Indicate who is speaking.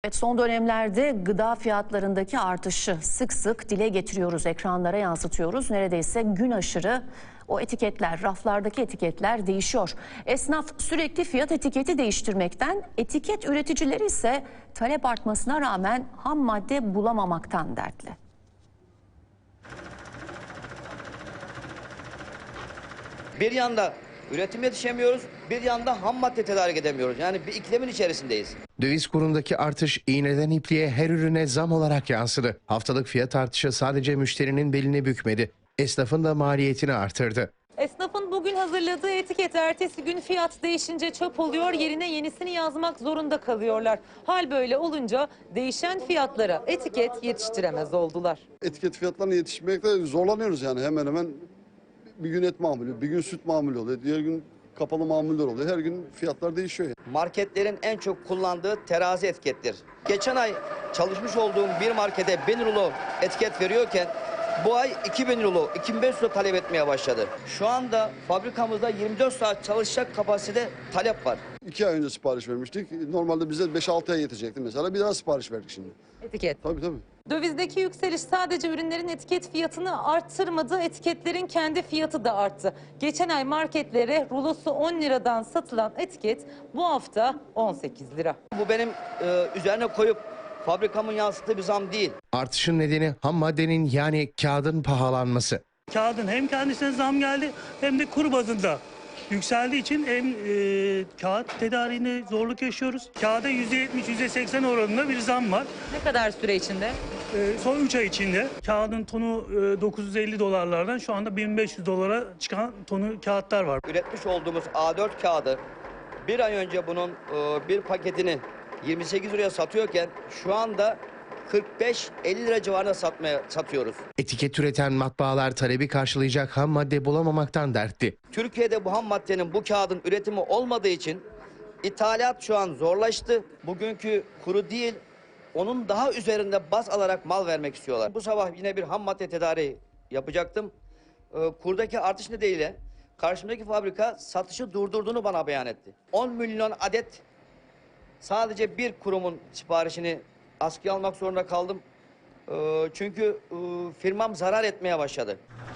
Speaker 1: Evet, son dönemlerde gıda fiyatlarındaki artışı sık sık dile getiriyoruz, ekranlara yansıtıyoruz. Neredeyse gün aşırı o etiketler, raflardaki etiketler değişiyor. Esnaf sürekli fiyat etiketi değiştirmekten, etiket üreticileri ise talep artmasına rağmen ham madde bulamamaktan dertli.
Speaker 2: Bir yanda üretim yetişemiyoruz, bir yanda ham madde tedarik edemiyoruz. Yani bir ikilemin içerisindeyiz.
Speaker 3: Döviz kurundaki artış iğneden ipliğe her ürüne zam olarak yansıdı. Haftalık fiyat artışı sadece müşterinin belini bükmedi. Esnafın da maliyetini artırdı.
Speaker 4: Esnafın bugün hazırladığı etiket ertesi gün fiyat değişince çöp oluyor, yerine yenisini yazmak zorunda kalıyorlar. Hal böyle olunca değişen fiyatlara etiket yetiştiremez oldular.
Speaker 5: Etiket fiyatlarına yetişmekte zorlanıyoruz yani hemen hemen. Bir gün et mamulü, bir gün süt mamulü oluyor, diğer gün kapalı mamuller oluyor. Her gün fiyatlar değişiyor. Yani.
Speaker 2: Marketlerin en çok kullandığı terazi etikettir. Geçen ay çalışmış olduğum bir markete 1000 rulo etiket veriyorken bu ay 2000 rulo, 2500 rulo talep etmeye başladı. Şu anda fabrikamızda 24 saat çalışacak kapasite talep var.
Speaker 5: 2 ay önce sipariş vermiştik. Normalde bize 5-6 ay yetecekti mesela. Bir daha sipariş verdik şimdi.
Speaker 4: Etiket.
Speaker 5: Tabii.
Speaker 4: Dövizdeki yükseliş sadece ürünlerin etiket fiyatını arttırmadı, etiketlerin kendi fiyatı da arttı. Geçen ay marketlere rulosu 10 liradan satılan etiket bu hafta 18 lira.
Speaker 2: Bu benim üzerine koyup fabrikamın yansıttığı bir zam değil.
Speaker 3: Artışın nedeni ham maddenin yani kağıdın pahalanması.
Speaker 6: Kağıdın hem kendisine zam geldi hem de kur bazında yükseldiği için hem kağıt tedariğinde zorluk yaşıyoruz. Kağıda %70-%80 oranında bir zam var.
Speaker 4: Ne kadar süre içinde?
Speaker 6: Son 3 ay içinde kağıdın tonu 950 dolarlardan şu anda 1500 dolara çıkan tonu kağıtlar var.
Speaker 2: Üretmiş olduğumuz A4 kağıdı bir ay önce bunun bir paketini 28 liraya satıyorken şu anda 45-50 lira civarında satıyoruz.
Speaker 3: Etiket üreten matbaalar talebi karşılayacak ham madde bulamamaktan dertli.
Speaker 2: Türkiye'de bu ham maddenin, bu kağıdın üretimi olmadığı için ithalat şu an zorlaştı. Bugünkü kuru değil, onun daha üzerinde baz alarak mal vermek istiyorlar. Bu sabah yine bir ham madde tedariği yapacaktım. Kurdaki artış nedeniyle karşımdaki fabrika satışı durdurduğunu bana beyan etti. 10 milyon adet sadece bir kurumun siparişini askıya almak zorunda kaldım. Çünkü firmam zarar etmeye başladı.